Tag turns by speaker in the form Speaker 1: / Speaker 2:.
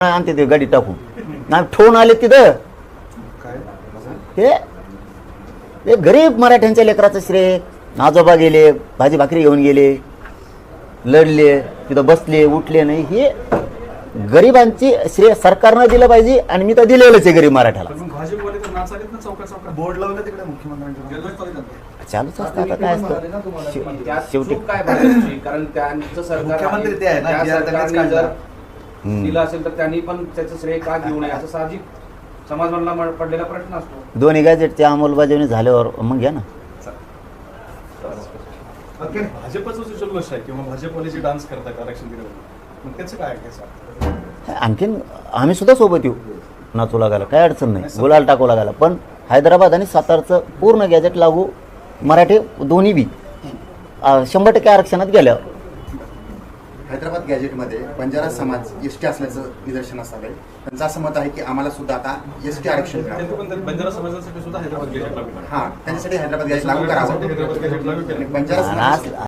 Speaker 1: आणते ते गाडी टाकून नाही ठेवून आले तिथं ते गरीब मराठ्यांच्या लेकराचं श्रेय. आजोबा गेले, भाजी भाकरी घेऊन गेले, लढले, तिथं बसले उठले नाही. हे गरिबांची श्रेय सरकारनं दिलं पाहिजे आणि मी तर दिलेलंच आहे गरीब मराठ्याला.
Speaker 2: बोर्ड लावलं तिकडे मुख्यमंत्र्यांच्या
Speaker 1: चालूच असतं आता काय असतं शेवटी
Speaker 3: काय भरायची? कारण त्यांचं सरकार
Speaker 2: मुख्यमंत्री ते आहे ना,
Speaker 3: त्या
Speaker 2: जे आता त्यांनीच
Speaker 3: सरकारने जर
Speaker 1: हम्म.
Speaker 3: दिलं असेल तर त्यांनी पण त्याचं श्रेय का घेऊ नये असं साहजिक समाजाला पडलेला प्रश्न असतो.
Speaker 1: दोन्ही गॅजेटची अंमलबजावणी झाल्यावर मग घ्या ना.
Speaker 2: भाजपचं जल्लोष आहे किंवा भाजपवाले जे डान्स करतात आरक्षण दिल्यावर मग त्याचं काय आहे?
Speaker 1: आणखीन आम्ही सुद्धा सोबत येऊ नाचू लागायला, काय अडचण नाही, गुलाल टाकू लागायला. पण हैदराबाद आणि सातारचं पूर्ण गॅजेट लागू मराठी दोन्ही बी 100% आरक्षणात गेल्यावर.
Speaker 4: हैदराबाद गॅजेटमध्ये बंजारा समाज एसटी असल्याचं निदर्शनास आलंय. त्यांचं असं मत आहे की आम्हाला सुद्धा आता एसटी आरक्षण मिळावं.
Speaker 2: बंजारा समाजासाठी सुद्धा हैदराबाद गॅजेट लागू
Speaker 4: हा, त्यांच्यासाठी हैदराबाद गॅजेट लागू करावं.
Speaker 2: हैदराबाद गॅजेट लागू केलं.
Speaker 4: बंजारा समाज